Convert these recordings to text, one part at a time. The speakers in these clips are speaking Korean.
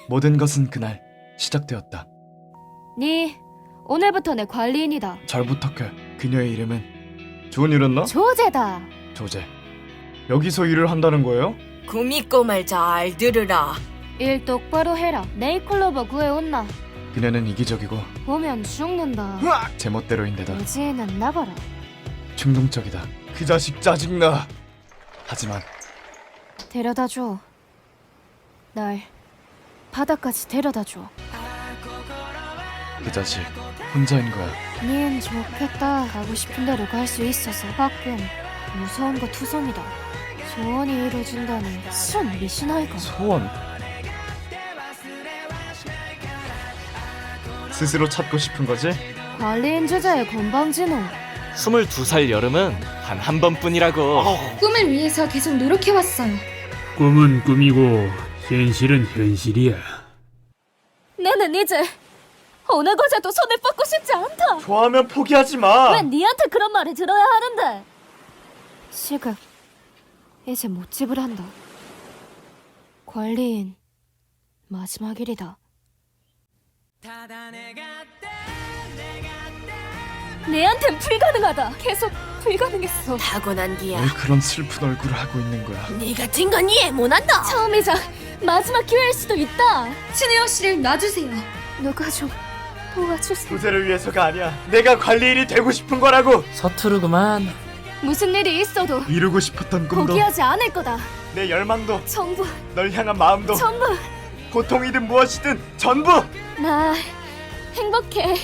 모든 것은 그날 시작되었다. 네 오늘부터 내 관리인이다. 잘 부탁해. 그녀의 이름은 존이랬나? 조제다. 조제. 여기서 일을 한다는 거예요? 구미꼬 말 잘 들으라. 일 똑바로 해라. 네이클로버 구해온나. 그녀는 이기적이고 보면 죽는다. 제멋대로인데다 오지는 나가라. 충동적이다. 그 자식 짜증나. 하지만 데려다줘. 날 바다까지 데려다줘. 그 자식 혼자인 거야. 닌 좋겠다. 가고 싶은 대로 갈 수 있어서 가끔 무서운 거 투성이다. 소원이 이루어진다니 순 미신아이가. 소원. 스스로 찾고 싶은 거지? 관리인 주제의 건방진호. 22살 여름은 단 한 번뿐이라고. 꿈을 위해서 계속 노력해왔어요. 꿈은 꿈이고 현실은 현실이야. 나는 이제 어느 것에도 손을 뻗고 싶지 않다. 좋아하면 포기하지 마. 왜 니한테 그런 말을 들어야 하는데? 시급 이제 못 지불한다. 관리인 마지막 일이다. 내한텐 불가능하다. 계속 불가능했어. 타고난 기야. 왜 그런 슬픈 얼굴을 하고 있는 거야? 네 같은 건 이해 못한다. 처음이자 마지막 기회일 수도 있다. 신혜영 씨를 놔주세요. 누가 좀 도와주세요. 조제를 위해서가 아니야. 내가 관리인이 되고 싶은 거라고. 서투르구만. 무슨 일이 있어도 이루고 싶었던 꿈도 포기하지 않을 거다. 내 열망도 전부 널 향한 마음도 전부. 고통이든 무엇이든 전부. 나 행복해.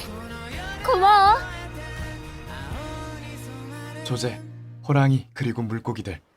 고마워. 조제, 호랑이 그리고 물고기들